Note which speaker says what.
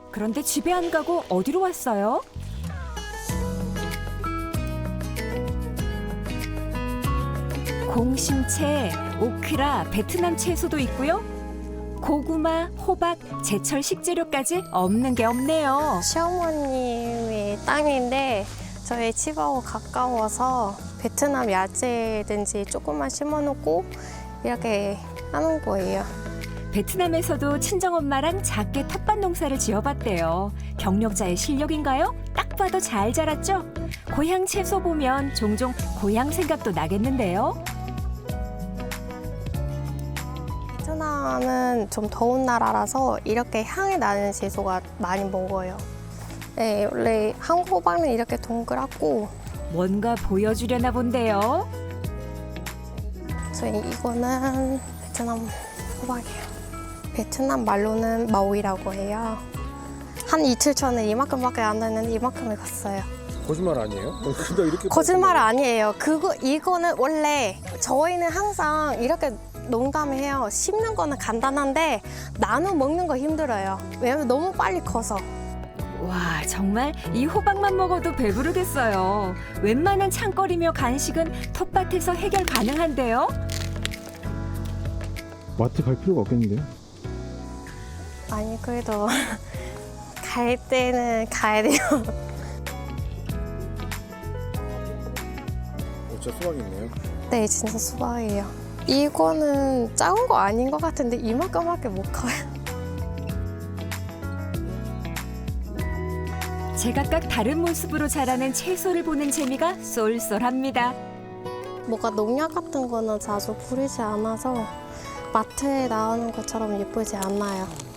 Speaker 1: 그런데 집에 안 가고 어디로 왔어요? 공심채, 오크라, 베트남 채소도 있고요. 고구마, 호박, 제철 식재료까지 없는 게 없네요.
Speaker 2: 시어머님의 땅인데 저희 집하고 가까워서 베트남 야채든지 조금만 심어놓고 이렇게 하는 거예요.
Speaker 1: 베트남에서도 친정엄마랑 작게 텃밭 농사를 지어봤대요. 경력자의 실력인가요? 딱 봐도 잘 자랐죠? 고향 채소 보면 종종 고향 생각도 나겠는데요.
Speaker 2: 베트남은 좀 더운 나라라서 이렇게 향이 나는 채소가 많이 먹어요. 네, 원래 한국 호박은 이렇게 동그랗고
Speaker 1: 뭔가 보여주려나 본데요.
Speaker 2: 저희 이거는 베트남 호박이에요. 베트남 말로는 마오이라고 해요. 한 이틀 전에 이만큼밖에 안 됐는데 이만큼을 갔어요.
Speaker 3: 거짓말 아니에요? 근데 이렇게
Speaker 2: 거짓말 아니에요. 이거는 원래 저희는 항상 이렇게 농담해요. 심는 거는 간단한데 나눠 먹는 거 힘들어요. 왜냐면 너무 빨리 커서.
Speaker 1: 와, 정말 이 호박만 먹어도 배부르겠어요. 웬만한 창거리며 간식은 텃밭에서 해결 가능한데요.
Speaker 3: 마트 갈 필요가 없겠는데요?
Speaker 2: 아니 그래도 갈 때는 가야 돼요.
Speaker 3: 진짜 수박이 있네요.
Speaker 2: 네, 진짜 수박이에요. 이거는 작은 거 아닌 것 같은데 이만큼밖에 못 커요.
Speaker 1: 제각각 다른 모습으로 자라는 채소를 보는 재미가 쏠쏠합니다.
Speaker 2: 뭐가 농약 같은 거는 자주 뿌리지 않아서 마트에 나오는 것처럼 예쁘지 않아요.